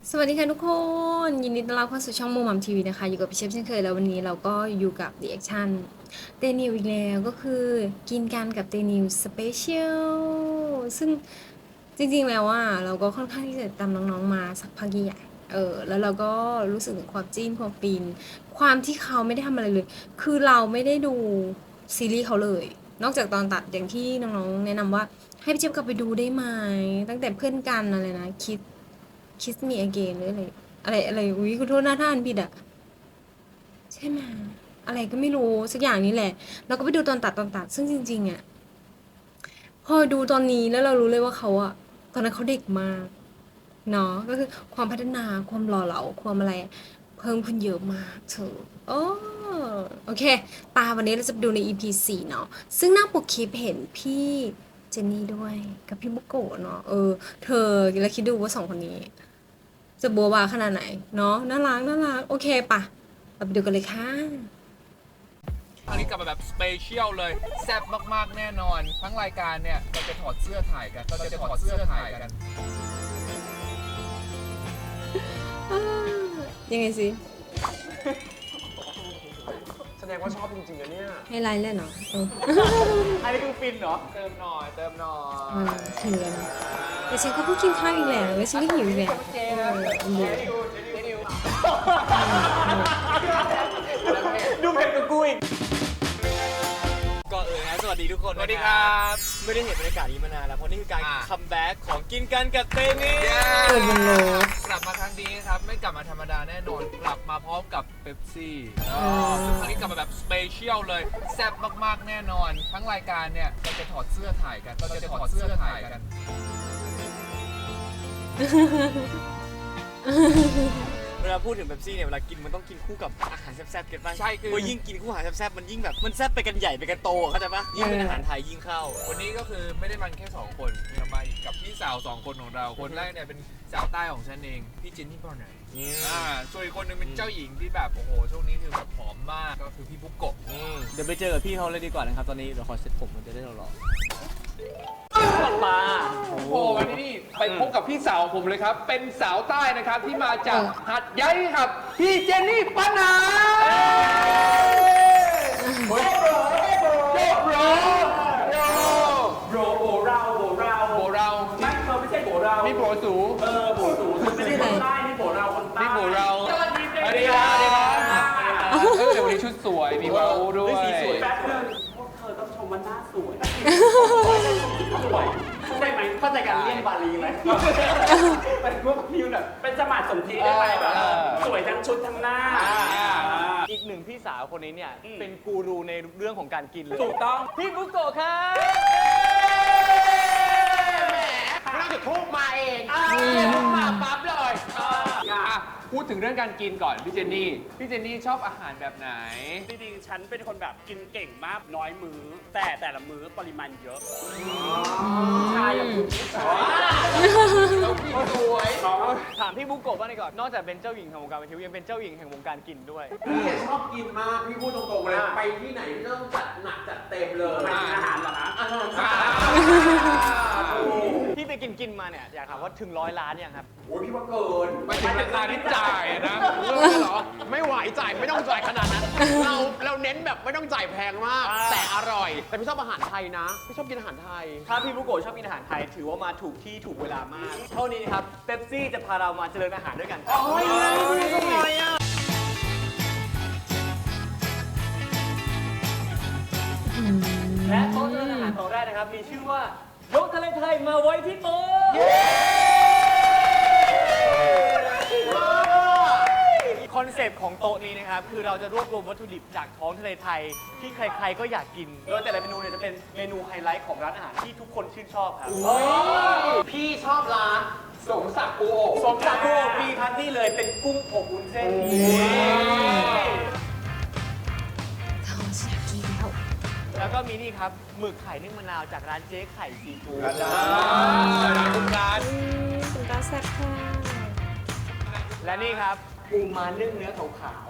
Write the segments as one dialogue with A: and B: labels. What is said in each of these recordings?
A: สวัสดีค่ะทุกคนยินดีต้อนรับเข้าสู่ช่องมูมัมทีวีนะคะอยู่กับพี่เชฟเช่นเคยแล้ววันนี้เราก็อยู่กับ The Action เตนิวอีกแล้วก็คือกินกันกับเตนิวสเปเชียลซึ่งจริงๆแล้วว่าเราก็ค่อนข้างที่จะตามน้องๆมาสักพักใหญ่แล้วเราก็รู้สึกถึงความจิ้นความฟินความที่เขาไม่ได้ทำอะไรเลยคือเราไม่ได้ดูซีรีส์เขาเลยนอกจากตอนตัดอย่างที่น้องๆแนะนำว่าให้พี่เจี๊ยบกลับไปดูได้ไหมตั้งแต่เพื่อนกันอะไรนะคิสมีอเกนหรืออะไรอุ้ยคุณโทษหน้าท่านผิดอะใช่ไหมอะไรก็ไม่รู้สักอย่างนี้แหละเราก็ไปดูตอนตัดซึ่งจริงๆอะพอดูตอนนี้แล้วเรารู้เลยว่าเขาอะตอนนั้นเขาเด็กมากเนาะก็คือความพัฒนาความหล่อเหลาความอะไรเพิ่มขึ้นเยอะมากเธอโอ้โอเคตาวันนี้เราจะไปดูใน EP 4เนาะซึ่งหน้าปกคลิปเห็นพี่เจนนี่ด้วยกับพี่บุโกะเนาะเธอแล้วคิดดูว่าสองคนนี้ จะบัวบาขนาดไหนเนาะน่ารักน่ารักโอเคปะเราไปดูกันเลยค่ะ
B: ครั้งนี้กลับมาแบบสเปเชียลเลยแซ่บมากๆแน่นอน ทั้งรายการเนี่ยเราจะถอดเสื้อถ่ายกัน
A: ยังไงสิ
C: แสดงว่าชอบจริงๆนะเนี่ย
A: ให้ไลน์เล่นเหรอ
C: อันนี้คือฟินเหรอ
B: เติมหน่อย
A: ถึงแล้วนะแต่ฉันก็เพิ่งกินข้าวอีกแล้วแล้วฉันก็หิวอีกแล้ว
C: ดูเผ็ดกว่ากูอีก
D: ก่อนอื่นนะสวัสดีทุกคน
B: สวัสดีครับ
D: ไม่ได้เห็นบรรยากาศนี้มานานแล้วเพราะนี่คือการคัมแบ็กของกินกันกับเตนี่
A: เปิดบนโลก
B: กลับมาครั้งนี้ครับไม่กลับมาธรรมดาแน่นอนกลับมาพร้อมกับเป๊ปซี่ซึ่งครั้งนี้กลับมาแบบสเปเชียลเลยแซ่บมากๆแน่นอน ทั้งรายการเนี่ยเราจะถอดเสื้อถ่ายกัน
D: เวลาพูดถึงเป๊ปซี่เนี่ยเวลากินมันต้องกินคู่กับอาหารแซ่บๆกันป่ะ
B: ใช่คือ
D: เพราะยิ่งกินคู่อาหารแซ่บๆมันยิ่งแบบมันแซ่บไปกันใหญ่ไปกันโตเข้าใจป่ะยิ่งเป็นอาหารไทยยิ่งเข้า
B: วันนี้ก็คือไม่ได้มันแค่2คนเรามาอีกกับพี่สาว2คนของเราคนแรกเนี่ยเป็นสาวใต้ของฉันเองพี่จินนี่ปอไหนส่วนอีกคนหนึงเป็นเจ้าหญิงที่แบบโอ้โหช่วงนี้คือแบบผอมมากก็คือพี่บุกโกะ
D: เดี๋ยวไปเจอกับพี่เขาเลยดีกว่านะครับตอนนี้เดี๋ยวขอเซ็ตผมมันจะได้หล่อๆปลา
B: โอ้โหวันนี้นี่ไปพบกับพี่สาวผมเลยครับ เป็นสาวใต้นะครับที่มาจากหัดใหญ่ครับ พี่เจนนี่ปัญหาโบเราไม่เขาไม่ใช่โบเรานี่โบสูโบสู
A: ไม่ใช่อะไร
B: นี่โบเราสวัสดีครับเดี๋ยววันนี้ชุดสวยมีวาวด้วย
D: สีสวย
E: แป๊บนึงพวกเธอต้องชมว่าหน้าสวยสวยเข้าใจไหมเข้าใจการเลี่ยนบาลีไหมเป็นพวกมิวแบบเป็นสมาร์ทสมทีได้ไหมแบบสวยทั้งชุดทั้งหน้า
D: อีกหนึ่งพี่สาวคนนี้เนี่ยเป็นกูรูในเรื่องของการกินเลย
E: ถูกต้อง
D: พี่บุโกะครับ
C: น่าจะทุกมาเองมาปั๊บเลย
B: พูดถึงเรื่องการกินก่อนพี่เจนนี่ชอบอาหารแบบไหน
E: จริงๆฉันเป็นคนแบบกินเก่งมากน้อยมื้อแต่ละมื้อปริมาณเยอะใช่อย่างคุณผู้ชายเรากินสวย
D: ถามพี่บุโกะบ้างดีกว่านอกจากเป็นเจ้าหญิงแห่งวงการบันเทิงยังเป็นเจ้าหญิงแห่งวงการกินด้วย
C: พี่ชอบกินมาก พี่พูดตรงๆเลย ไปที่ไหนพี่ต้องจัดหนักจัดเต็มเลย
E: ไปกินอาหารเหรอคะ
C: อาหาร
D: พี่ไปกินมาเนี่ยอยากถามว่าถึง100 ล้านยังครับ
C: โอ้ยพี่ว่าเกิน
B: ไม่ถึงราคาที่จ่ายนะ
C: เหรอ ไม่ไหวจ่ายไม่ต้องจ่ายขนาดนั้น เราเน้นแบบไม่ต้องจ่ายแพงมาก แต่อร่อย แต่พี่ชอบอาหารไทยนะ พี่ชอบกินอาหารไทย
D: ถ้าพี่บุโกะชอบกินอาหารไทยถือว่ามาถูกที่ถูกเวลามาก เท่านี้นะครับเป๊ปซี่จะพาเรามาเจริญอาหารด้วยกันครับ และโต๊ะเจริญอาหารของแรกนะครับมีชื่อว่ายกทะเลไทยมาไว้ที่โต๊ะคอนเซปต์ของโต๊ะนี้นะครับคือเราจะรวบรวมวัตถุดิบจากท้องทะเลไทยที่ใครๆก็อยากกินโดยแต่ละเมนูเนี่ยจะเป็นเมนูไฮไลท์ของร้านอาหารที่ทุกคนชื่นชอบครับ
C: พี่ชอบร้านสมศักดิ์ปูอบ
D: สมจากโกปีครับนี่เลยเป็นกุ้งอบวุ้นเส้น
A: เขาอยากกินแล้ว
D: แล้วก็มีนี่ครับหมึกไข่นึ่งมะนาวจากร้านเจ๊ไข่ซีฟู้ด
B: คุณร้าน
A: คุณตาแซ่บค่ะ
D: และนี่ครับปูม้านึ่งเนื้อขาว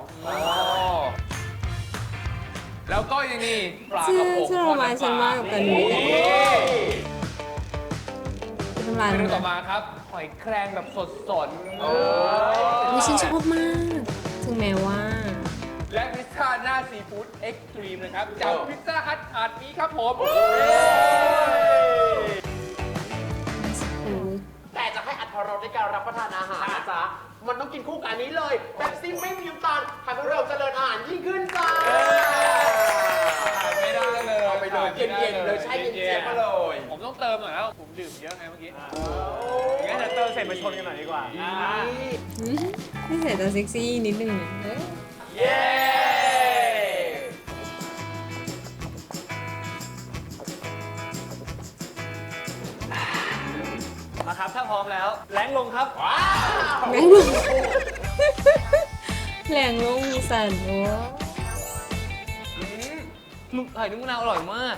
B: แล้วก็ยังนี่ปลากระพง
A: ชื่อโรมานฉันมากกับกันนี้เป็นน้ำลาย
B: เมนู
A: น้ำ
B: ต่อ
A: ลาย
B: มาครับ หอยแครงแบบสดๆ
A: อุ๊ยฉันชอบมาก ถึงแม้ว่า
B: และพิซซ่าหน้าซีฟู้ดเอ็กซ์ตรีมนะครับจากพิซซ่าฮัทอาร์ตนี้ครับผม
C: แต่จะให้อรรถรสในการรับประทานอาหารนะจ๊ะ มันต้องกินคู่กับอันนี้เลยเป๊ปซี่ไม่มีน้ำตาลทำให้เราเจริญอาหารยิ่งขึ้นจ้า
B: ไม่ได้เลย
C: เอาไปเลยเย็นๆเลยใช่เย็นๆมาเลย
B: ผมต้องเติมหน่อยแล้ว ผมดื่มเยอะไงเมื่อกี้
D: งั้นเดี๋ยวเติมเสร็จมาชนกันหน่อยดีกว่า
A: ไม่ใส่ตาเซ็กซี่นิดนึงนะเอ้ย
D: เย้มาครับถ้าพร้อมแล้วแรงลงครับ
A: แรงลง แรงลงสั่นโอ้
D: หมึกไข่นุ่มมะนาวอร่อยมาก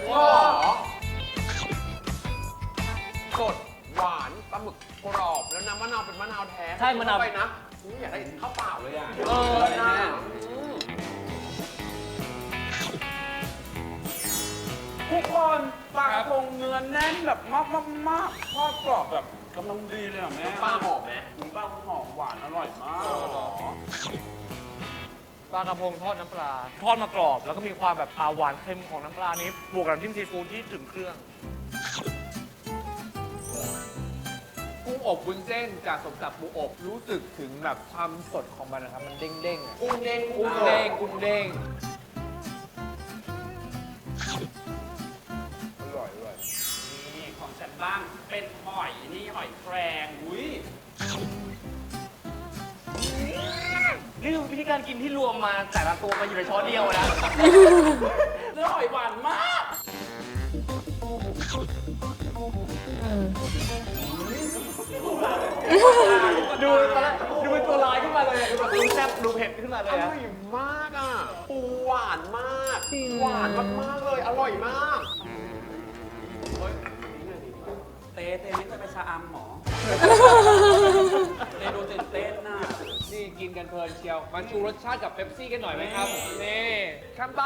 C: สดหวานปลาหมึกกรอบแล้วน้ำมะนาวเป็นมะนาวแท้
D: ใช่มะนาว
C: เข้ไปนะอยากได้ข้าวเปล่าเลยอ่ะ
D: นะ
E: ทุกคนปลากระพงเนื้อแน่นแบบมากทอดกรอบแบบกำลังดีเลยอ่ะแม่
C: ปลาหอมไหม
E: ปลาหอมหวานอร่อยมาก
D: ปลากระพงทอดน้ำปลา ทอดมากรอบ แล้วก็มีความแบบปลาหวานเค็มของน้ำปลานี้บวกกับน้ำจิ้มซีฟู้ดที่ถึงเครื่อง
B: กุ้งอบวุ้นเส้นจากสมศักดิ์ปูอบรู้สึกถึงแบบความสดของมันนะครับ มันเด้งๆอะ
C: กุ้งเด้ง
B: กุ้งเด้งกุ้งเด้งอร่อยด้วย
E: นี่ของฉันบ้างเป็นหอยนี่หอยแครงอุ้ย
D: นี่คือวิธีการกินที่รวมมาแต่ละตัวมาอยู่ในช้อนเดียวนะ
E: เนื้อหอยหวานมาก
A: เออ
D: ดูตอนแรกดูเป็นตัวลายขึ้นมาเลยดูแบบดูแซ่บดูเผ็ดขึ้นมาเล
C: อย
D: อะ
C: ร่อยมากอ่ะปูหวานมาก
A: จริง
C: หวานมากๆเลย อร่อยมาก
E: เต้นี่จะไปชะอำหมอเต้ดูตื่นเต้นน่ะ
B: นี่กินกันเพลินเชียว มาชูรสชาติกับเป๊ปซี่กันหน่อยไหมครับ นี่ข้ามใต้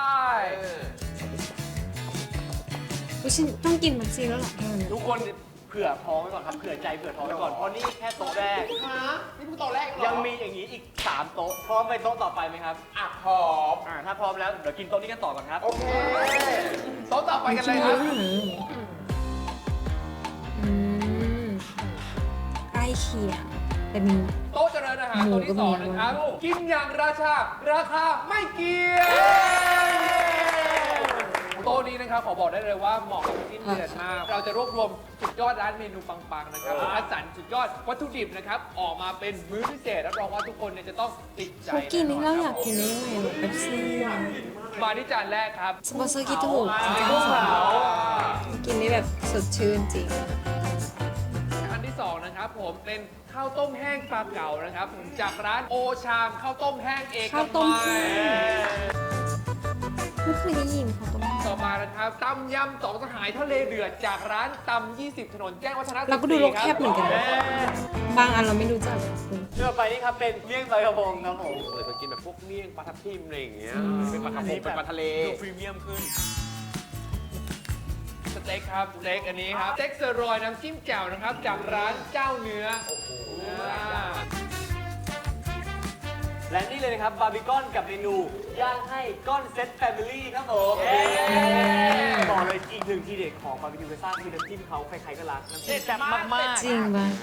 A: อุ๊ยฉันต้องกินมักซีแล้วเหรอแค่นี้
D: ทุกคนเผื่อท้องไว้ก่อนครับเผื่อใจเผื่อท้องไว้ก่อนเพราะนี่แค่โต๊ะแรก
C: ฮะ นี่เพิ่งตอนแรกเหรอ
D: ยังมีอย่างนี้อีก 3 โต๊ะ พร้อมไปโต๊ะต่อไปไหมครับ
C: อ่ะพร้อม
D: ถ้าพร้อมแล้วเดี๋ยวกินโต๊ะนี้กันต่อก่อนครับ
C: โอเค
B: โต๊ะต่อไปกันเลยครับ
A: อืมใกล้เคียงแต่มี
B: โต๊ะเจริญอาหารตัวที่สองนะครับ กินอย่างราชา ราคาไม่เกี่ยงโต๊ะนี้นะครับขอบอกได้เลยว่าเหมาะกับสิ้นเดือนมาก เราจะรวบรวมสุดยอดร้านเมนูปังๆนะครับคัดสรรสุดยอดวัตถุดิบนะครับ ออกมาเป็นมื้อพิเศษรับรองว่าทุกคนเนี่ยจะต้องติดใจ
A: เขากินนี่เราอยากกินได้ยังไงหรอเป๊ปซี่
B: มาที่จานแรกครับ
A: สปอนเซอร์คิดถูกจริงๆกินได้แบบสดชื่นจริง
B: อันที่สองนะครับผมเป็นข้าวต้มแห้งปลาเก๋านะครับผมจากร้านโอชามข้าวต้มแห้งเอก
A: ข้าวต้ม
B: มั
A: แห้
B: ย
A: ไม่เคยได้ยินเขาต้ม
B: ต่อมานะครับตำยำสองสหายทะเลเดือดจากร้านตำ20 ถนนแจ้งวัฒนะ
A: เราก็ดูโลกแคบเหมือนกันนะบางอันเราไม่รู้จักคุณ
D: เชื่อไปนี่ครับเป็นเมี่ยงปลากระพงครับผม
C: เลยไปกินแบบพวกเมี่ยงปลาทับทิมอะไรอย่างเงี้ย
A: อืม
C: เป็นปลากระพงเป็นปลาทะเล
D: ดูพรีเมียมขึ้น
B: สเต็กครับสเต็กอันนี้ครับสเต็กเซอร์รอยน้ำจิ้มแจ่วนะครับจากร้านเจ้าเนื้อโอ้โห
D: และนี่เลยนะครับบาร์บีคอนกับเมนูย่างให้ก้อนเซตแฟมิลี่ครับผม บอกเลยอีกหนึ่งทีเด็ดของบาร์บีคิวเบซ่าคือน้ำจิ้มเขาใครๆก็รักน้ำจิ้มแซ่บมาก
A: จริงปะ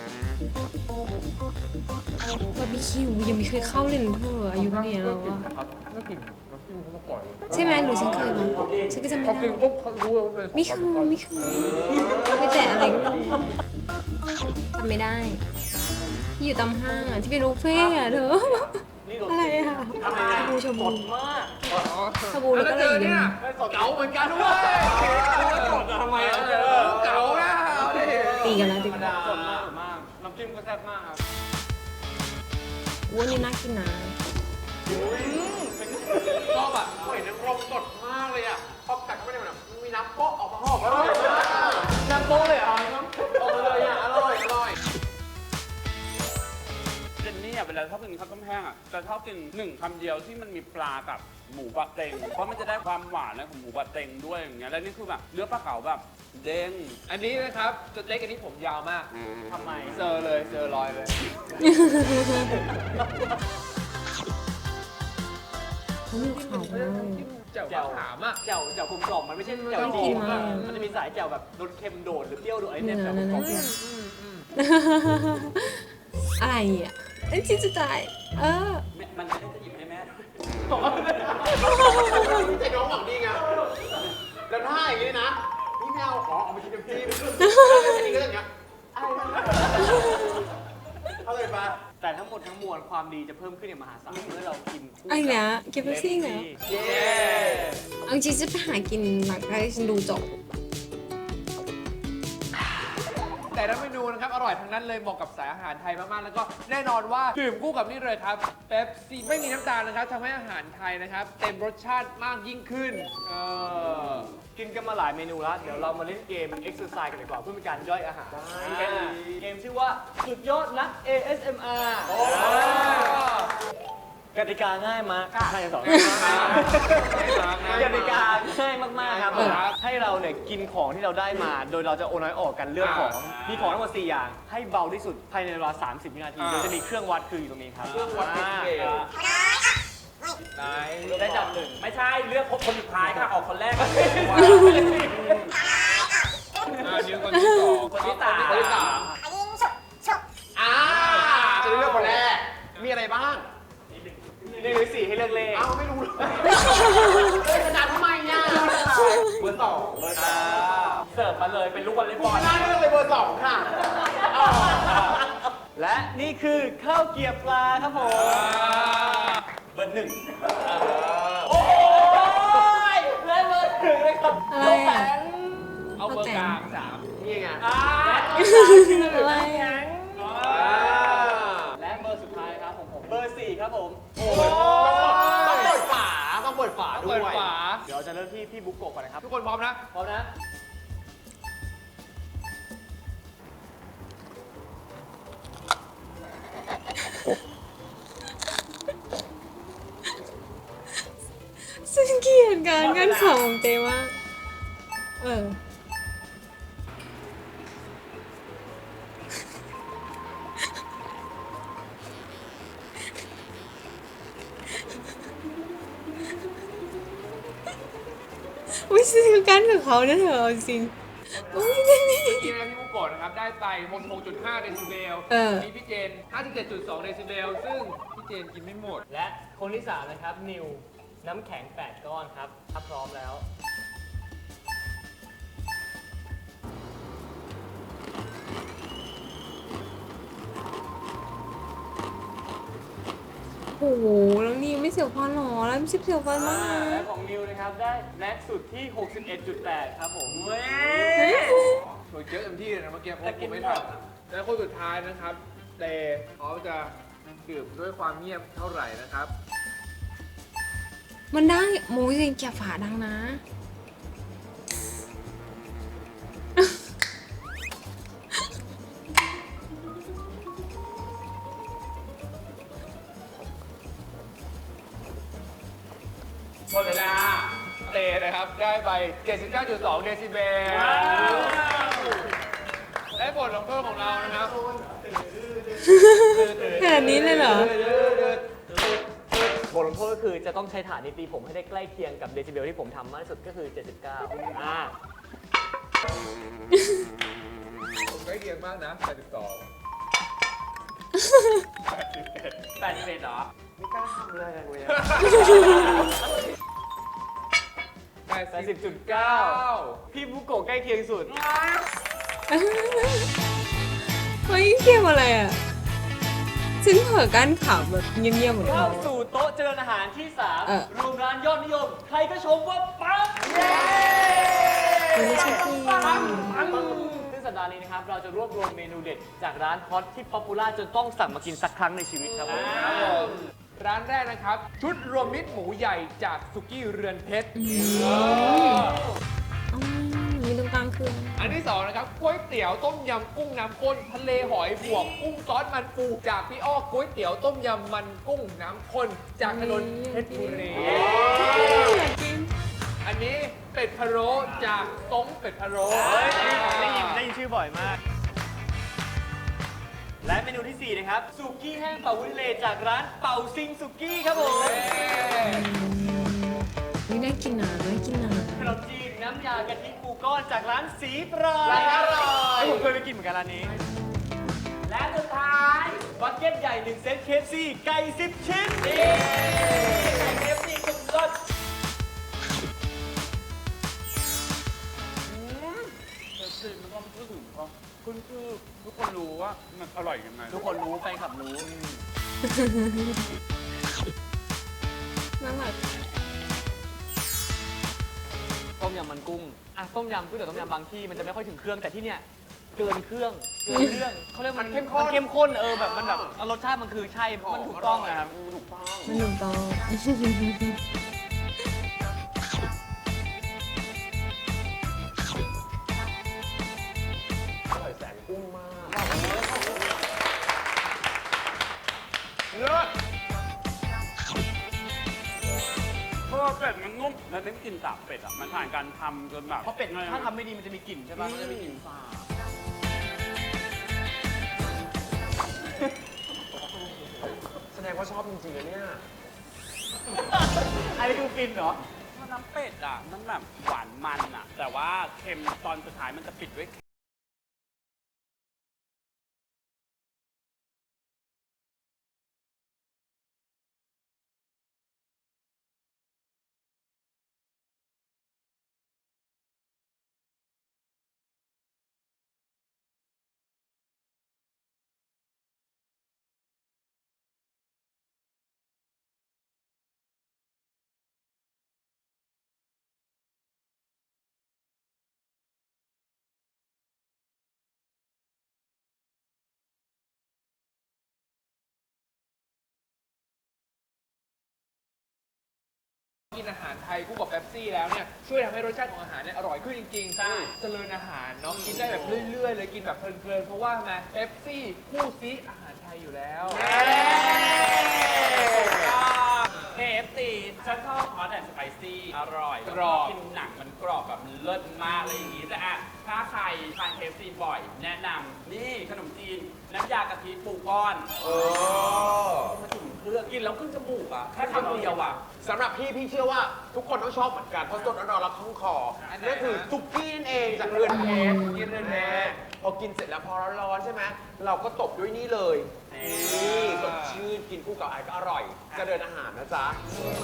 A: บาร์บีคิวยังไม่เคยเข้าเลยนะเธออายุเนี้ยแล้วอะ
B: ไม่กินน้ำจิ้มเขามาก่อน
A: ใช่ไหมหรือฉันเคยมั้งฉันก็จะไม่
B: เขากิน
A: ได้
B: ปุ๊บเขารู้ว่าเป็น
A: ไม่เคยไม่เคยไม่แต่อะไรก็ทำไม่ได้ ที่อยู่ตามห้างอ่ะ ที่เป็นบุฟเฟ่ต์อ่ะเธอ
D: ๆนี่
A: อะไรอ่ะชาบูชา
D: ส
A: บู
D: ดมาก
A: ชาบูแล้วก็อะไรอย่างเงี้ย
B: เก๋าเหมือนกันด้วย
D: ทำไมอ่ะ
B: เก๋านะเอาดิ
A: ตีกันแล้วตีกัน
D: สดมากมากน้ำจิ้มก็แซ่บมากครับ
A: อ้วนนี่น่ากินนะ
B: ชอบอ่ะ
C: หอยนางรมสดมากเลยอ่ะพอกัดเข้าไปในมันแบบมีน้ำโป๊ะออกมาหอมอร่อยมาก
D: น้ำโป๊ะเลยเหรอ
C: ออกมาเลยอ่ะ อร่อย อร่อย
E: เจนนี่อ่ะเวลาชอบกินข้าวต้มแห้งอ่ะจะชอบกินหนึ่งคำเดียวที่มันมีปลากับหมูบะเต็ง เพราะมันจะได้ความหวานของหมูบะเต็งด้วยอย่างเงี้ย แล้วนี่คือแบบเนื้อปลาเก๋าแบบเด้ง
B: อันนี้นะครับสเต็กอันนี้ผมยาวมาก
D: ทำไม
B: เซอร์เลยเซอร์ลอยเลย
D: ท
A: เขามีเขา
B: แจ่วมะขามอ่ะ
D: แจ่วกลมกล่อมมันไม่ใช่แจ่ว
A: น่ากิ
D: จี
A: น
D: น
A: มาก
D: มันจะมีสายแจ่วแบบรสเค็มโดดหรือเปรี้ยวโดดไอ้
A: เนื้
D: เนี่ย
A: อ
D: แจ่วกล
A: นั่
D: ม
A: น
D: กล่อม
A: น่ะอะไรอ่ะเอ้ยจิจะตาย
E: มันไม่ได้จะหยิบให้แม่
C: ใจน้องหวังดีไงแล้วถ้าอย่างนี้นะพี่ไม่เอาเอาไปกินกับพี่อันนี้ก็อย่างเงี้ยเข้าใจปะ
D: แต่ทั้งหมดทั้งมวลความดีจะเพิ่มขึ้นอย่างมหาศาลเมื่อเรากินคู่
A: ไอ้เนี้ยเก็บไปซิ่งเหรอ
D: เย้
A: เอาจริงจะไปหากินหลังจากที่ฉันดูจบ
B: แต่ละเมนูนะครับอร่อยทั้งนั้นเลยเหมาะกับสายอาหารไทยมากๆแล้วก็แน่นอนว่าดื่มคู่กับนี่เลยครับเป๊ปซี่ไม่มีน้ำตาลนะครับทำให้อาหารไทยนะครับเต็มรสชาติมากยิ่งขึ้น
D: กินกันมาหลายเมนูแล้ว เดี๋ยวเรามาเล่นเกม exercise กันดีกว่าเพื่อเป็นการย่อยอาหารเกมชื่อว่าสุดยอดนัก ASMR กติกาง่ายมากใช่สองกติกาง่ายมากๆครับให้เราเนี่ยกินของที่เราได้มา โดยเราจะโอนน้อยออกกันเลือกของมีของทั้งหมด4อย่างให้เบาที่สุดภายในเวลา30 วินาทีโดยจะมีเครื่องวัดคืออยู่ตรงนี้ครับ
B: เครื่องวัดเป็นเกมไหน
D: ได้จับหนึ่ง
E: ไม่ใช่เลือกคนสุดท้ายค่ะออกคนแรก
B: นิ้วคนที่สอง
E: คนที่สาม
B: คนที่สาม
C: จะได้เลือกคนแรกมีอะไรบ้าง
D: 1 หรือ 4ให้เลือกเลข
C: เอ้าไม่รู้เลยขนาดทำไมเนี่ยเบอร์ 2
E: เสิร์ฟมาเลยเป็นลูกวอลเลย์บอล
C: น่าเลือกเลยเบอร์ 2 ค่ะ
D: และนี่คือข้าวเกรี๊ยวปลาครับผม
E: เบอร์ 1
D: โอ้ยและเบอร์1เลยครับ
A: อะไรอ่ะ
B: เอาเบอร์กลางสาม
C: นี่ไง
A: อะไรอ่ะ
D: และเบอร์สุดท้ายครับผมเบอร์ 4 ครับผม
C: ต้องเปิดฝาต้องเปิดฝาด้ว
B: เปิ
C: ย
B: ดฝา
D: เดี๋ยวจะเริ่มที่พี่บุ๊กโกะก่อนนะครับ
B: ทุกคนพร้อมนะ
D: พร้อมนะ
A: ฉันเกลียดการกันข่าวของเต้มากอุ้ยฉันคือกันกับเขาเนี่ยเธอเอาจริงอุ้ยนี่
B: เมื่อกี้นะพี่มุกโกะนะครับได้ไป 66.5 เดซิเบล มีพี่เจน 57.2 เดซิเบล ซึ่งพี่เจนกินไม่หมด
D: และคนที่ 3 นะครับ นิว น้ำแข็ง 8 ก้อนครับถ้าพร้อมแล้ว
A: โอ้โหแล้วนี่ไม่เสียวฟันหรอแล้วไม่เสียวฟันมาก
D: และ
A: นะ
D: ของนิวนะครับ ได้แม็กซ์สุดที่ 61.8 ครับผม
B: โดยเยอะเต็มที่เลยนะเมื่อกี้เพราะผมไม่ทันและคนสุดท้ายนะครับเตเขาจะดื่มด้วยความเงียบเท่าไหร่นะครับ
A: มันได้โมยจริงแกฝาดังนะ
B: หมดเวลาเตนะครับ ได้ไป 79.2 เดซิเบล และบทลงโทษของเรานะครับ
A: ขนาดนี้เลยเหรอ
D: บทลงโทษก็คือจะต้องใช้ฐานนิตีผมให้ได้ใกล้เคียงกับเดซิเบลที่ผมทำมากที่สุดก็คือ 79
B: ผมใกล้เคียงมากนะ 82
E: 81เหรอ
C: ไม่กล้าทำเลยเลย
D: 80.9 พี่บุโกะใกล้เคียงสุด
A: เฮ้ยเกมอะไรอ่ะ ฉันเผลอกั้นขำแบบเงียบๆเหมือน
D: เข้า
A: เขา
D: สู่โต๊ะเจริญอาหารที่
A: เออ
D: 3 รวมร้านยอดนิยม ใครก็ชมว่าปัง
A: ไม่ใช่ที่
D: ซึ่งสัปดาห์นี้นะครับ เราจะรวบรวมเมนูเด็ดจากร้านฮอตที่ป๊อปปูล่าจนต้องสั่งมากินสักครั้งในชีวิตครับผม
B: ร้านแรกนะครับ ชุดรวมมิตรหมูใหญ่จากสุกี้เรือนเพชร
A: มีตรงกลางคือ
B: อันที่2นะครับก๋วยเตี๋ยวต้มยำกุ้งน้ำข้นทะเลหอยบวกกุ้งซอสมันปูจากพี่อ้อก๋วยเตี๋ยวต้มยำมันกุ้งน้ำข้นจากถนนเพชรบุรีอันนี้เป็ดพะโล้จากต้มเป็ดพะโล้
D: ได้ยินชื่อบ่อยมากและเมนูที่ 4 นะครับสุกี้แห้งเป่าวุ้นทะเลจากร้านเป่าซิงสุกี้ครับผม
A: นี่น่ากินนะน่ากินนะ
D: ขนมจีนน้ำยากะทิปูก้อนจากร้านสีปรา
C: ร้านอร่อย
D: ผมเคยไปกินเหมือนกันร้านนี้ และสุดท้ายบักเก็ตใหญ่1เซต KFC ไก่10 ชิ้นนี่ไก่ KFC สุดยอด
E: คือมันก็พูดถึงเขาคุณคือทุกคนรู้ว่ามันอร่อยยังไง
D: ทุกคนรู้แฟนคลับรู้
A: น่ารัก
D: ต้มยำมันกุ้งอ่ะต้มยำก๋วยเตี๋ยวต้มยำบางที่มันจะไม่ค่อยถึงเครื่องแต่ที่เนี่ยเกินเครื่องเขาเรียกมันเข้มข้นแบบมันแบบรสชาติมันคือใช่มันถูกต้องนะครับ
C: ถูกต้อง
A: มันหนุ่มตอง
C: อร่อยแสนกุ้งมากเลิศ
E: เพราะว่าเป็ดมันนุ่มแล้วได้กลิ่นสาบเป็ดอ่ะมันผ่านการทำจนแบบ
D: เพราะเป็ดถ้าทำไม่ดีมันจะมีกลิ่นใช่ปะมันจะมีกลิ่นสาบ
C: แสดงว่าชอบจริงๆนะเนี่ย
D: อันนี้คือฟินเหรอ
E: น้ำเป็ดอ่ะมันแบบหวานมันอ่ะ แต่ว่าเค็มตอนสุดท้ายมันจะปิดด้วย
B: กินอาหารไทยคู่กับเป๊ปซี่แล้วเนี่ยช่วยทำให้รสชาติของอาหารเนี่ยอร่อยขึ้นจริงๆ
D: ใช่
B: เจริญอาหารเนาะกินได้แบบเรื่อยๆเลยกินแบบเพลินๆเพราะว่าไงเป๊ปซี่คู่ซีอาหารไทยอยู่แล้ว
E: KFC ฉันชอบฮอตแอนด์สไปซี่อร่อย
B: กรอบ
E: กินหนังมันกรอบแบบมันเลิศมากอะไรอย่างงี้แต่อะถ้าใครทาน KFC บ่อย แนะนำนี่ขนมจีนน้ำยากะทิปูก้อนมาถึงเครื่องกินแล้วขึ้นจมูกอ่ะแค่คำเดียวอ่ะ
C: สำหรับพี่เชื่อว่าทุกคนต้องชอบเหมือนกันเพราะสดร้อนๆแล้วคล่องคอนั่นคือซุกี้นั่นเองจากเรือนเพชรกินเรือนเพชรพอกินเสร็จแล้วพอร้อนๆใช่ไหมเราก็ตบด้วยนี่เลยนี่สดชื่นกินคู่กับไอก็อร่อยเจะเดินอาหารนะจ๊ะ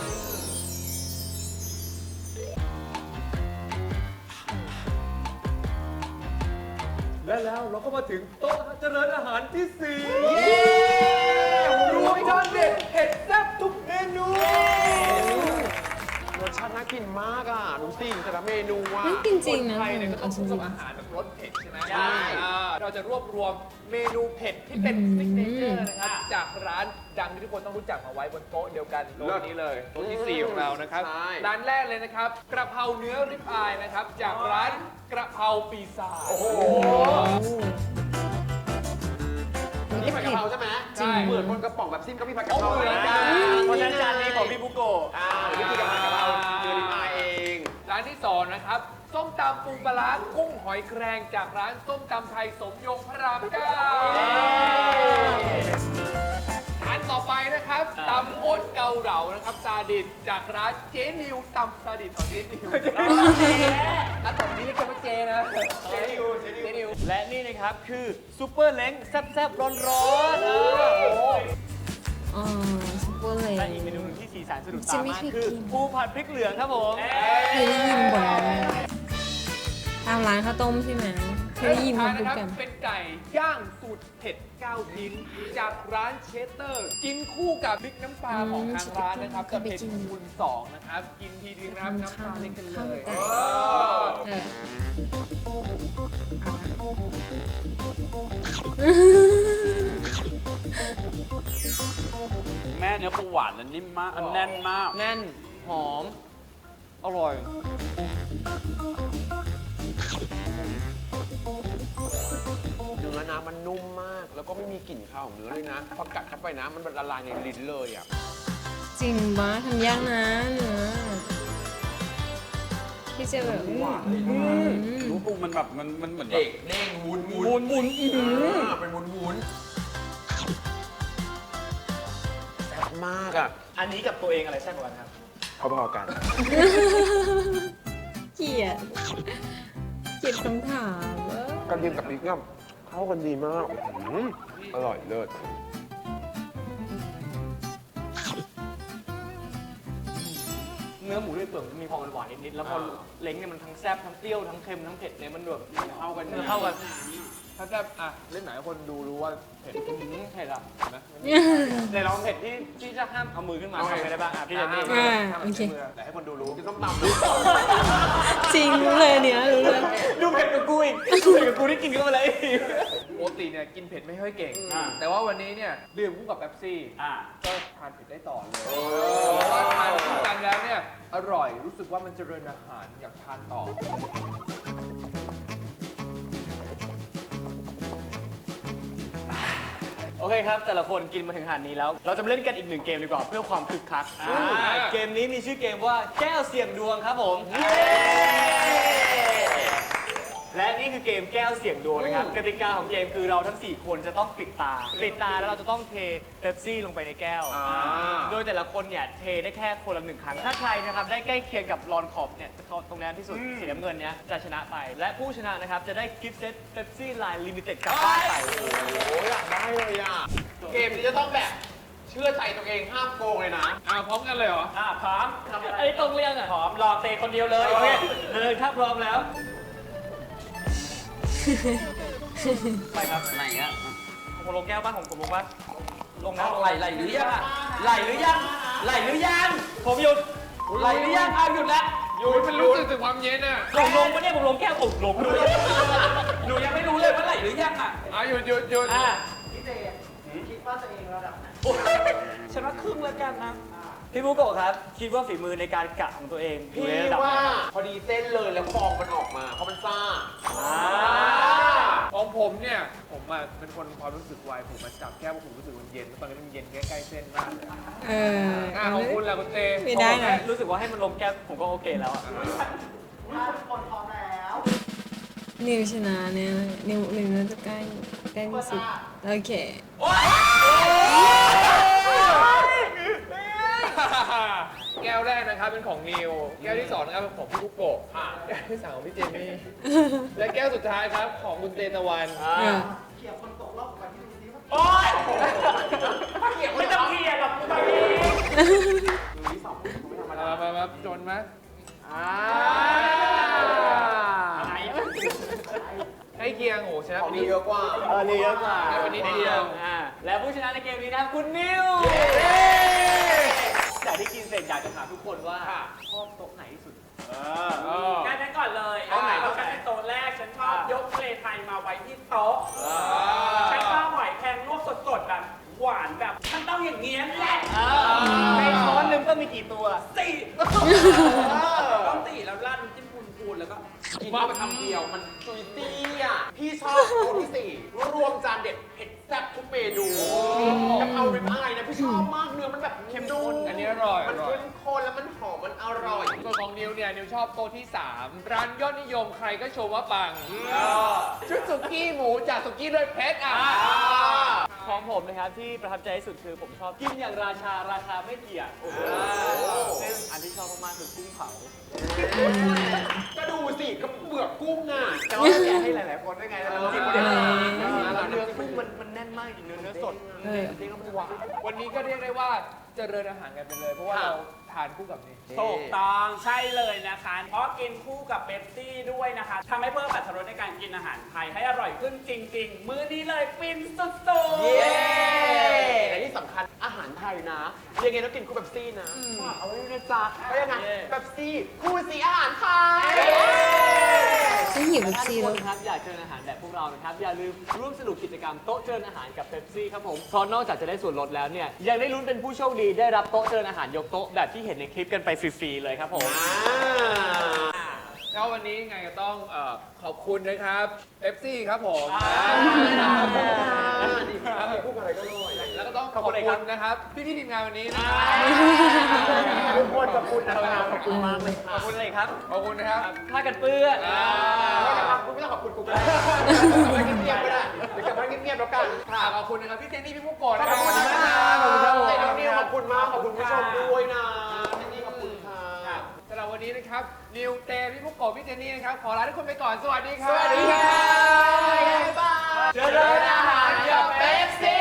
D: และแล้วเราก็มาถึงโต๊ะเจริญอาหารที่
C: รวมจานเด็ดเผ็ดแซ่บทุกเมนูรสชาติน่ากินมากอ่ะดูสิแต่ละเมนูอ่ะ
A: น่ากินจริงนะ
B: ไทยเนี่ยก็ต้อง
A: จริ
B: คู่
A: ง
B: กับอาหารแบบรสเผ็ดใช่ไหม
C: ใช่
B: เราจะรวบรวมเมนูเผ็ดที่เป็นซิกเนเจอร์นะครับจากร้านดังที่ทุกคนต้องรู้จักมาไว้บนโต๊ะเดียวกันโต๊ะนี้เลยโต๊ะที่ 4 ของเรานะครับ
C: ใช่
B: ร้านแรกเลยนะครับกระเพราเนื้อริบอายนะครับจากร้านกระเพราปีศาจ
C: โอ้โห
A: มัน
C: นี่
A: ก็
C: ผัดกะ
A: เผ็ด
C: เพราใช่ไหม
B: ใช่
C: เหมือนบนกระป๋องแบบซิมก็มีผัดกะเพรา
B: เหมือนกั
D: เพราะฉะนั้นจานนี้ของพี่บุโกะ
C: วิธีการผัดกะเพราเดือนมาเอง
B: ร้านที่ 2 นะครับส้มตำปูปลาร้ากุ้งหอยแครงจากร้านส้มตำไทยสมยงพระรามเก้าอันต่อไปนะครับตำอ้นเกาเหลานะครับซาดิสจากร้านเจนิวตำซาดิสของเจนิวอันต่อไปนี้เรียกว่าเจนะเจนิว
D: และนี่นะครับคือซูเปอร์เล้งแซ่บๆร้อนๆโอ้
A: อ๋อซุปเปอร์เลย
D: และอีกเมนูหนึงที่สีสันสะดุด
A: จะ
D: ตา
A: ไม่
D: มาก
A: เคย
D: คือ
A: กิน
D: ปูผัดพริกเหลืองครับผม
A: เคยได้ยินบ่อยตามร้านข้าวต้มใช่ไหมเคยได้ยิน
B: ท้า
A: มาพูด
B: นะครับ
A: กัน
B: เป็นไก่ย่างสูตรเผ็ด9ชิ้นจากร้านเชสเตอร์ กินคู่กับพริกน้ำปลาของทางร้านนะครับจะเผ็ดคูณ2นะครับ กินทีเดียวนะครับน้ำปลาเล็กกันเลย
A: เออ
E: แม่เนื้อปูหวานและนิ่มมากอันแน่นมาก
D: แน่น หอม อร่อย
C: เนื้อนะมันนุ่มมาก แล้วก็ไม่มีกลิ่นคาวของเนื้อเลยนะพอกัดเข้าไปนะมันละลายในลิ้นเลยอ่ะ
A: จริงปะทำยากนะเนื้อที่จะแบบ
E: รู้ปูมันแบบมันเหมือนแบ
C: เด็
E: บ
C: กเด้งวุ้น
E: วุ้น
C: เป็นวุ้นมากอ่ะ
D: อันนี้กับตัวเองอะไรแซ่บกว่ากันครับ
C: พอๆกัน
A: เกลียดคำถามเว้ย
C: กระเทียมกับพริกเนี่ยเข้ากันดีมากอร่อยเลิศ
D: เนื้อหมูด้วยเปลือกมันมีความหวานนิดๆแล้วพอเล้งเนี่ยมันทั้งแซ่บทั้งเปรี้ยวทั้งเค็มทั้งเผ็ดเนี่ยมันแบบเข้ากันเข้ากัน
B: ถ้าแซ่บอ่ะเล่นไหนคนดูรู้ว่าเผ็ด
D: เผ็ดอ่ะเห็นไหมในลองเผ็ดที่จะห้ามเอามือขึ้นมาทำไงได้บ้างอ่ะพี่เจนนี่
A: โอเค
B: แต่ให้คนดูรู้
C: กินส้มตำ
A: จริงรู้เลยเนี่ยรู้เลย
D: ดูเผ็ดกับกูอีกดูเผ็ดกับกูที่กินเข้าไปเลย
B: ปกติเนี่ยกินเผ็ดไม่ค่อยเก่ง
D: อ่า
B: แต่ว่าวันนี้เนี่ยดื่มคู่กับเป๊ปซี่
D: อ่า
B: ก็ทานเผ็ดได้ต่อเลยเพราะว่าทานคู่กันแล้วเนี่ยอร่อยรู้สึกว่ามันเจริญอาหารอยากทานต่อ
D: โอเคครับ แต่ละคนกินมาถึงขนาดนี้แล้ว เราจะมาเล่นกันอีกหนึ่งเกมดีกว่าเพื่อความคึกคักเกมนี้มีชื่อเกมว่าแก้วเสี่ยงดวงครับผมและนี่คือเกมแก้วเสี่ยงดวงนะครับกติกาของเกมคือเราทั้ง 4 คนจะต้องปิดตาแล้วเราจะต้องเทเป๊ปซี่ลงไปในแก้วโดยแต่ละคนเนี่ยเทได้แค่คนละ1 ครั้งถ้าใครนะครับได้ใกล้เคียงกับรอนขอบเนี่ยตรงนั้นที่สุดสีน้ำเงินเนี้ยจะชนะไป และผู้ชนะนะครับจะได้กิฟต์เซตเป๊ปซี่ไลน์ลิมิเต็ดกลับบ้านไป
C: โอ้ยอยากได้เลยอ่ะ เกมนี้จะต้องแบบเชื่อใจตัวเองห้ามโกงเลยนะ
B: พร้อมกันเลยเหรอ
D: พร้อมไอ้ตรงเรียงอ่ะพร้อมรอเตะคนเดียวเลยโอเคเลยถ้าพร้อมแล้วไปครับ
E: ไหนอ่ะ
D: ผมลงแก้วบ้านผมลงบ้านลงนะ
E: ไหลหรือยังไหลหรือยังไหลหรือยัง
D: ผมหยุด
E: ไหลหรือยังหยุดแล้ว
B: อยู่มันรู้สึกถึงความเย็นอ่ะ
D: ลงปะเนี่ยผมลงแก้วผมลงด้วย
E: หนูยังไม่รู้เลยว่าไหลหรือยังอ่ะ
B: หยุด
D: ฉันว่าครึ่งแล้วกันนะพี่บุโกะครับ คิดว่าฝีมือในการกะของตัวเองอยู่
C: พี่
D: ในระดับไห
C: ว่าน
D: ครับ
C: พอดีเส้นเลยแล้วฟองมันออกมาเพราะมันซ่า
B: ของผมเนี่ยผมอ่ะเป็นคนความรู้สึกไวผมมาจับแก้วผมรู้สึกมันเย็นแล้วตอนนี้มันเย็นใกล้ๆเส้นมากเลย
A: เออ
B: ของคุณล่ะคุณเต
A: ไม่ได้นะ
D: รู้สึกว่าให้มันลงแก้วผมก็โอเคแล้วอะ
A: นิวชนะเนี่ยนิวน่าจะใกล้ที่สุดโอเค
B: แก้วแรกนะครับเป็นของนิว แก้วที่สองนะครับเป็นของพี่กุ๊กโกะแก้วที่สามของพี่เจมี่ และแก้วสุดท้ายครับของคุณเตตะวัน
A: เออ
D: โอ๊ยไม่ต้องเกลียดหรอกตัวเอง
B: มาจนไหม ให้เคียงโอ้ชนะ
C: ของ
B: ไป
C: ดีเยอะกว่า
D: นี่เยอะกว่า
B: แค่วันนี้เดียว
D: และผู้ชนะในเกมนี้นะครับคุณนิวจากที่กินเสร็จอยากจะถามทุกคนว่าชอบโต๊ะไหนที่สุด
E: งั้นฉันก่อนเลย
D: โต๊ะไหน
E: ฉันเป็นโต๊ะแรก ฉันชอบยกทะเลไทยมาไว้ที่โต๊ะ ฉันชอบหอยแครงลวกสดๆแบบหวานแบบมันต้องอย่างเงี้ยแหละ
D: ในช้อนหนึ่งก็มีกี่ตัว
E: สี่ต้องตีแล้วราดน้ำจิ้มพูนๆแล้วก็
C: กินเข้าไปคำเดียวมันจุยซี่อ่ะ พี่ชอบตัวที่สี่รวมจานเด็ดเผ็ดแซ่บทุกเมนูกะเพราริบอายนะพี่ชอบมากเนื้อมันแบบเข้มข้น
B: อันนี้อร่อย
C: มันเข้มข้นแล้วมันหอมมันอร่อย
B: ส่วนของนิวเนี่ยนิวชอบโต๊ะที่ 3 ร้านยอดนิยมใครก็ชมว่าปังชุดสุกี้หมูจากสุกี้ด้วยเพชร
D: ของผมนะครับที่ประทับใจที่สุดคือผมชอบกินอย่างราคาไม่เกี่ยงซึ่งอันที่ชอบมากๆคือกุ้งเผา
C: ก็ดูสิกระเบือกกุ้งอ่ะ
D: แต่ว่าแกให้หลายๆคนด้วยไงแล้วน้ำจิ้มเนี่ยเนื้อกุ้งมันแน่นมากจริงเนื้อสดจริงๆแล้วมันหวาน
B: วันนี้ก็เรียกได้ว่าเจริญอาหารกันไปเลย เพราะว่าเราทานคู่กับนี่
E: ถูกต้องใช่เลยนะคะ เพราะกินคู่กับเป๊ปซี่ด้วยนะคะทำให้เพิ่มอรรถรสในการกินอาหารไทยให้อร่อยขึ้นจริง ๆ มื้อนี้เลยฟินสุด
C: เย้และที่สำคัญอาหารไทยนะยังไงต้องกินคู่แบบซี่นะเอาไว้นะจ๊ะก็ยังไงแบบซี่คู่สีอาหารไทย
A: ฉันหิวแบบ
D: ถ้าทุ
A: ซี
D: กค
A: แล้ว
D: นครับอยากเจริญอาหารแบบพวกเรานะครับอย่าลืมร่วมสนุกกิจกรรมโต๊ะเจริญอาหารกับเป๊ปซี่ครับผมเพราะนอกจากจะได้ส่วนลดแล้วเนี่ยยังได้ลุ้นเป็นผู้โชคดีได้รับโต๊ะเจริญอาหารยกโต๊ะแบบที่เห็นในคลิปกันไปฟรีๆเลยครับผม
B: แล้ววันนี้ไงก็ต้องขอบคุณนะครับเ e ปซี่ครับผม
C: ดีครับคู่กับอะไรก็อร่อย
B: แล้วก็ต้องขอบคุณนะครับพี่ๆทีมงานวันนี้นะครับ
C: ทุกคนขอบคุณนะครับขอบคุณมากเลย
D: ขอบคุณอะไรครับ
B: ขอบคุณนะครับ
D: ผ้ากันเปื้อน
C: ไม่ต้องขอบคุณกูก็ได้ไม่เงียบๆก็ได้เดี๋ยวกลับบ้านเงียบๆแล้วกัน
B: ขอบคุณนะครับพี่เจนนี่พี่มุกโกะนะค
C: ข
B: รั
C: อ
B: บบ
C: คุณนะครับขอบคุณครับขอบคุณมากผู้ชมด้วยนะนี่ขอบคุณค่ะ
B: สำหรับวันนี้นะครับนิวเตพี่พุกโกะพี่เจนนี่นะครับขอลาทุกคนไปก่อนสวัสดีครับ
C: สวัสดีค่ะบ๊ายบาย
B: เจริญอาหารกับเป๊ปซี่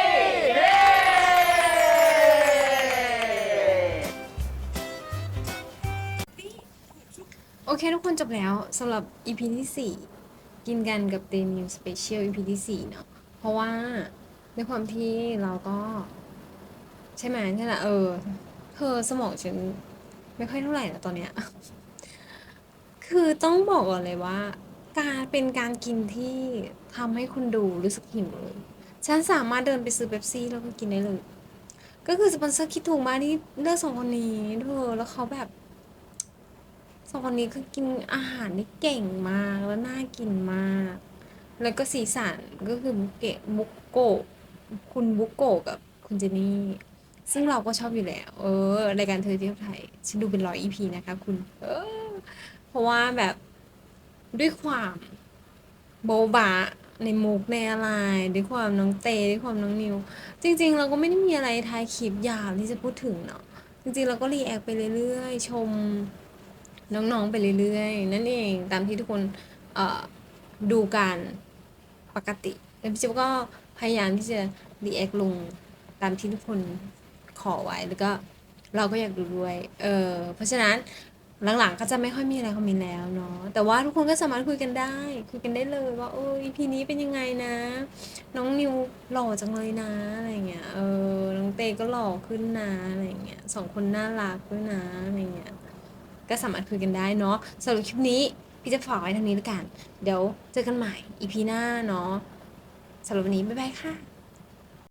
A: โอเคทุกคนจบแล้วสำหรับ EP ที่ 4 กินกันกับเดนิวสเปเชียล EP ที่ 4 เนาะเพราะว่าในความที่เราก็ ใช่ไหมใช่ไหมเธอสมองฉันไม่ค่อยเท่าไหร่นะตอนเนี้ย คือต้องบอกก่อนเลยว่า เป็นการกินที่ทำให้คุณดูรู้สึกหิวเลย ฉันสามารถเดินไปซื้อเป๊ปซี่แล้วก็กินได้เลย ก็คือสปอนเซอร์คิดถูกมากที่เลือก2 คนนี้เธอแล้วเขาแบบ2 คนนี้คือกินอาหารได้เก่งมากแล้วน่ากินมาก แล้วก็สีสันก็คือบุกโกะคุณบุกโกะกับคุณเจนี่ ซึ่งเราก็ชอบอยู่แล้ว รายการเธอเที่ยวไทย ฉันดูเป็น100 EP นะคะคุณ เพราะว่าแบบด้วยความโบ๊ะบะในมุกในอะไร ด้วยความน้องเตด้วยความน้องนิว จริงๆ เราก็ไม่ได้มีอะไรท้ายคลิปยาวที่จะพูดถึงเนาะ จริงๆ เราก็รีแอคไปเรื่อยๆ ชมน้องๆ ไปเรื่อยๆ นั่นเองตามที่ทุกคนดูกันปกติแล้วพี่จิ๊บก็พยายามที่จะรีแอคลงตามที่ทุกคนขอไว้แล้วก็เราก็อยากดูด้วยเพราะฉะนั้นหลังๆก็จะไม่ค่อยมีอะไรคอมเมนต์แล้วเนาะแต่ว่าทุกคนก็สามารถคุยกันได้เลยว่าEP นี้เป็นยังไงนะ น้องนิวหล่อจังเลยนะอะไรเงี้ยน้องเตก็หล่อขึ้นนะอะไรเงี้ย2 คนน่ารักด้วยนะอะไรเงี้ยก็สามารถคุยกันได้เนาะสำหรับคลิปนี้พี่จะฝากไว้ทางนี้แล้วกันเดี๋ยวเจอกันใหม่ EP หน้าเนาะสำหรับวันนี้บ๊ายบายค่ะ